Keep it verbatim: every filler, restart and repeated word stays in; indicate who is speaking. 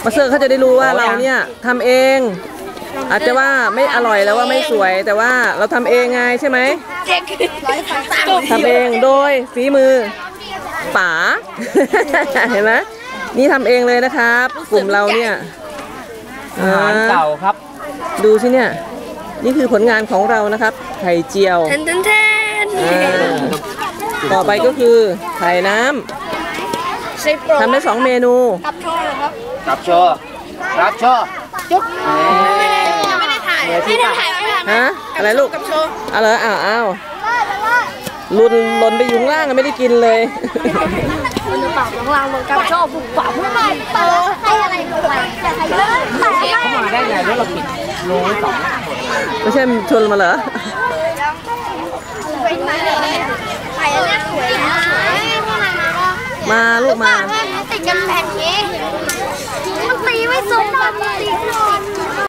Speaker 1: มาเซอร์เขาจะได้รู้ว่าเราเนี่ยทำเองอาจจะว่าไม่อร่อยแล้วว่าไม่สวยแต่ว่าเราทำเองไงใช่ไหมทำเองโดยฝีมือป๋า เห็นไหมนี่ทำเองเลยนะครับกลุ่มเราเนี่ย
Speaker 2: อาหารเก่าครับ
Speaker 1: ดูสิเนี่ยนี่คือผลงานของเรานะครับไข่เจียว
Speaker 3: แทนแทนแทน
Speaker 1: ต่อไปก็คือไข่น้ำทำได้สองเมนู
Speaker 3: กับโชว์ครับ
Speaker 2: กับโชว์รับโชว์
Speaker 3: จุ๊บไม่ได้ถ่ายไม่ได้ถ่ายไม่ได้ถ่าย
Speaker 1: ฮะอะไรลูก
Speaker 3: กับโชว์
Speaker 1: เอาเลยอ้าวอ้าวลุนหล่นไปอยู่ข้างล่างไม่ได้กินเลย
Speaker 3: มันจะปากล่างลงกับโชว์บุกปากไม่ได้เตอให้อะไรลงไปแต่ให้เยอะแต่
Speaker 2: เขามาได้ไงแล้วเราปิดรูไว้สอง
Speaker 1: ไม่ใช่ชวนมาเหรอ
Speaker 3: ไข่เนี่ยสวยนะ
Speaker 1: มาลูกมา
Speaker 3: ติดกันแผ่นนี้